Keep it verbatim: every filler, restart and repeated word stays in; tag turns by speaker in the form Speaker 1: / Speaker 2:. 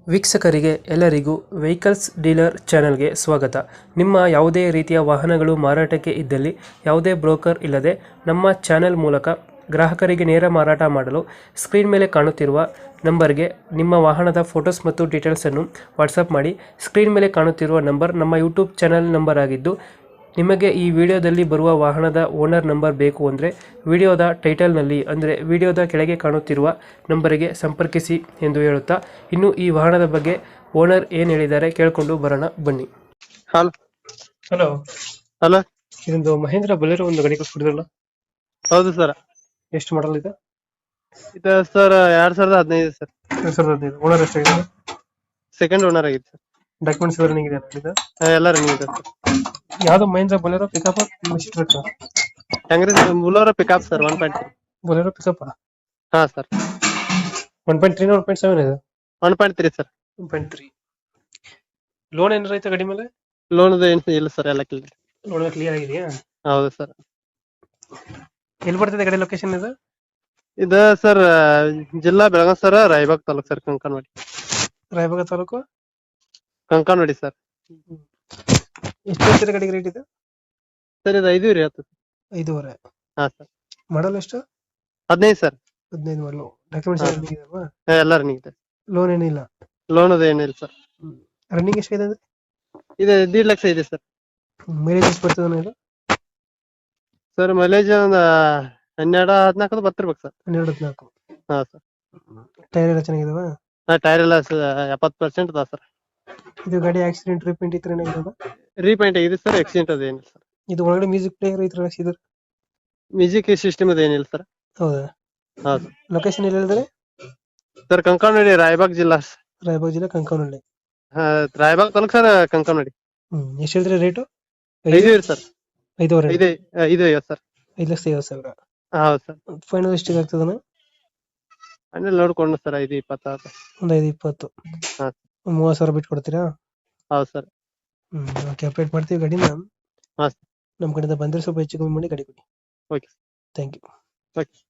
Speaker 1: ವೀಕ್ಷಕರಿಗೆ ಎಲ್ಲರಿಗೂ vehicles dealer ಚಾನೆಲ್ಗೆ ಸ್ವಾಗತ. ನಿಮ್ಮ ಯಾವುದೇ ರೀತಿಯ ವಾಹನಗಳು ಮಾರಾಟಕ್ಕೆ ಇದ್ದಲ್ಲಿ ಯಾವುದೇ ಬ್ರೋಕರ್ ಇಲ್ಲದೆ ನಮ್ಮ ಚಾನೆಲ್ ಮೂಲಕ ಗ್ರಾಹಕರಿಗೆ ನೇರ ಮಾರಾಟ ಮಾಡಲು ಸ್ಕ್ರೀನ್ ಮೇಲೆ ಕಾಣುತ್ತಿರುವ ನಂಬರ್ಗೆ ನಿಮ್ಮ ವಾಹನದ ಫೋಟೋಸ್ ಮತ್ತು ಡೀಟೇಲ್ಸನ್ನು ವಾಟ್ಸಪ್ ಮಾಡಿ. ಸ್ಕ್ರೀನ್ ಮೇಲೆ ಕಾಣುತ್ತಿರುವ ನಂಬರ್ ನಮ್ಮ ಯೂಟ್ಯೂಬ್ ಚಾನೆಲ್ ನಂಬರ್ ಆಗಿದ್ದು, ನಿಮಗೆ ಈ ವಿಡಿಯೋದಲ್ಲಿ ಬರುವ ವಾಹನದ ಓನರ್ ನಂಬರ್ ಬೇಕು ಅಂದರೆ ವಿಡಿಯೋದ ಟೈಟಲ್ನಲ್ಲಿ ಅಂದರೆ ವಿಡಿಯೋದ ಕೆಳಗೆ ಕಾಣುತ್ತಿರುವ ನಂಬರಿಗೆ ಸಂಪರ್ಕಿಸಿ ಎಂದು ಹೇಳುತ್ತಾ, ಇನ್ನು ಈ ವಾಹನದ ಬಗ್ಗೆ ಓನರ್ ಏನು ಹೇಳಿದ್ದಾರೆ ಕೇಳಿಕೊಂಡು ಬರೋಣ ಬನ್ನಿ.
Speaker 2: ಹಲೋ
Speaker 1: ಹಲೋ
Speaker 2: ಹಲೋ
Speaker 1: ಇದೊಂದು ಮಹೇಂದ್ರ ಬಲೇರೋ ಒಂದು ಗಾಡಿ ಕೊಡ್ತಿದ್ರಲ್ಲ,
Speaker 2: ಹೌದು ಸರ್.
Speaker 1: ಎಷ್ಟು ಮಾಡಲ್ ಇದೆ?
Speaker 2: ಇದು ಸರ್ ಎರಡ್ ಸಾವಿರದ ಹದಿನೈದು ಸರ್.
Speaker 1: ಎರಡು ಸಾವಿರದ ಹದಿನೈದು. ಓನರ್ ಎಷ್ಟಾಗಿದೆ?
Speaker 2: ಸೆಕೆಂಡ್ ಓನರ್ ಆಗಿದೆ ಸರ್.
Speaker 1: ಡಾಕ್ಯುಮೆಂಟ್ಸ್ ಎಲ್ಲ ರನ್ನಿಂಗ್ ಇದೆ ಇದು?
Speaker 2: ಹಾ, ಎಲ್ಲ ರನ್ನಿಂಗ್ ಇದೆ ಸರ್.
Speaker 1: ಯಾವ್ದು ಮಹೇಂದ್ರ ಬಲೇರೋ ಪಿಕಪ್ ಟ್ರಕ್?
Speaker 2: ಹೆಂಗ್ರಿ Bolero pickup sir. One point
Speaker 1: Bolero pickup
Speaker 2: ಹಾ sir.
Speaker 1: One point three one point seven ಇದೆ?
Speaker 2: One point three sir.
Speaker 1: One point three. Loan ಏನಾರ ಐತೆ ಗಾಡಿ ಮೇಲೆ?
Speaker 2: ಲೋನ್ ಏನು ಇಲ್ಲ ಸರ್, ಎಲ್ಲ ಕ್ಲಿಯರ್.
Speaker 1: ಲೋನ್ ಕ್ಲಿಯರ್ ಆಗಿದೆಯಾ?
Speaker 2: ಹೌದು ಸರ್.
Speaker 1: ಎಲ್ಲಿ ಬರ್ತದೆ ಗಾಡಿ ಲೊಕೇಶನ್ ಇದು?
Speaker 2: ಇದು ಸರ್ ಜಿಲ್ಲಾ ಬೆಳಗಾವಿ ಸರ್, ರಾಯಬಾಗ್ ತಾಲೂಕ್ ಸರ್, ಕಂಕನವಾಡಿ.
Speaker 1: ರಾಯಬಾಗ ತಾಲೂಕು
Speaker 2: ಕಂಕನವಾಡಿ ಸರ್.
Speaker 1: ಎಷ್ಟು ಹೇಳ್ತೀರಾ ಗಾಡಿಗೆ ರೇಟ್ ಇದೆ?
Speaker 2: ಸರ್ ಇದು ಐದು ರೀ ಹತ್ತು.
Speaker 1: ಐದೂವರೆ.
Speaker 2: ಹಾ ಸರ್.
Speaker 1: ಮಾಡಲ್ ಎಷ್ಟು?
Speaker 2: ಹದಿನೈದು ಸರ್.
Speaker 1: ಹದಿನೈದು ಮಾಡಲು. ಡಾಕ್ಯುಮೆಂಟ್ಸ್
Speaker 2: ಹಾ.
Speaker 1: ರನ್ನಿಂಗ್ ಇದೆಯಲ್ವಾ?
Speaker 2: ಹಾ, ಎಲ್ಲ ರನ್ನಿಂಗ್ ಇದೆ.
Speaker 1: ಲೋನ್ ಏನಿಲ್ಲ?
Speaker 2: ಲೋನ್ ಅದು ಏನಿಲ್ಲ ಸರ್.
Speaker 1: ರನ್ನಿಂಗ್ ಎಷ್ಟಿದೆ ಅಂದ್ರೆ?
Speaker 2: ಇದು ದೀಡ್ ಲಕ್ಷ ಇದೆ ಸರ್.
Speaker 1: ಮೈಲೇಜ್ ಎಷ್ಟು ಬರ್ತದೆ ಇದು?
Speaker 2: ಸರ್ ಮೈಲೇಜ್ ಒಂದು ಹನ್ನೆರಡು ಹದಿನಾಲ್ಕು ಬರ್ತಿರ್ಬೇಕು ಸರ್.
Speaker 1: ಹನ್ನೆರಡು ಹದಿನಾಲ್ಕು.
Speaker 2: ಹಾ ಸರ್.
Speaker 1: ಟೈರ್ ಎಲ್ಲ ಚೆನ್ನಾಗಿದಾವ?
Speaker 2: ಹಾ, ಟೈರ್ ಎಲ್ಲ ಎಪ್ಪತ್ತು ಪರ್ಸೆಂಟ್ ಅದ ಸರ್.
Speaker 1: ಇದು ಗಾಡಿ ಆಕ್ಸಿಡೆಂಟ್ ರೀಪೇಂಟ್ ಈ ತರ ಏನಾಗಿದಾವ?
Speaker 2: ರೀಪೇಂಟ್ ಆಗಿದೆ ಸರ್. ಆಕ್ಸಿಡೆಂಟ್ ಅದು ಏನಿಲ್ಲ ಸರ್.
Speaker 1: ಇದು ಒಳಗಡೆ ಮ್ಯೂಸಿಕ್ ಪ್ಲೇಯರ್ ಈ ತರ ಹಾಕ್ಸಿದ್ರು?
Speaker 2: ಮ್ಯೂಸಿಕ್ ಸಿಸ್ಟಮ್ ಅದು ಏನಿಲ್ಲ ಸರ್.
Speaker 1: ಹೌದಾ?
Speaker 2: ಹಾ ಸರ್.
Speaker 1: ಲೊಕೇಶನ್ ಎಲ್ಲಿ ಹೇಳಿದ್ರೆ?
Speaker 2: ಸರ್ ಕಂಕನವಾಡಿ, ರಾಯಬಾಗ್ ಜಿಲ್ಲಾ.
Speaker 1: ರಾಯಬಾಗ ಜಿಲ್ಲೆ ಕಂಕನಹಳ್ಳಿ.
Speaker 2: ಹಾ, ರಾಯಬಾಗ್ ತಾಲೂಕ್ ಸರ್, ಕಂಕನವಾಡಿ.
Speaker 1: ಹ್ಮ್ ಎಷ್ಟು ಹೇಳಿದ್ರೆ ರೇಟು?
Speaker 2: ಐದು ಇರಿ ಸರ್.
Speaker 1: ಐದೂವರೆ.
Speaker 2: ಐದು ಐದು ಐವತ್ತು ಸರ್.
Speaker 1: ಐದು ಲಕ್ಷ ಐವತ್ತು ಸಾವಿರ.
Speaker 2: ಹೌದು ಸರ್.
Speaker 1: ಫೈನಲ್ ಎಷ್ಟಿಗೆ ಆಗ್ತದನ?
Speaker 2: ಆಮೇಲೆ ನೋಡ್ಕೊಂಡು ಸರ್ ಐದು ಇಪ್ಪತ್ತಾರು.
Speaker 1: ಒಂದು ಐದು ಇಪ್ಪತ್ತು.
Speaker 2: ಹಾ.
Speaker 1: ಒಂದು ಮೂವತ್ತು ಸಾವಿರ ಬಿಟ್ಟು ಕೊಡ್ತೀರಾ?
Speaker 2: ಹೌದು ಸರ್.
Speaker 1: ಹ್ಮ್ ಓಕೆ, ಅಪ್ಡೇಟ್ ಮಾಡ್ತೀವಿ ಗಾಡಿನ.
Speaker 2: ಹಾ.
Speaker 1: ನಮ್ಮ ಕಡೆಯಿಂದ ಬಂದ್ರೆ ಸ್ವಲ್ಪ ಹೆಚ್ಚು ಕಮ್ಮಿ ಮಾಡಿ ಗಾಡಿ ಕೊಡಿ.
Speaker 2: ಓಕೆ.
Speaker 1: Thank you.
Speaker 2: ಓಕೆ.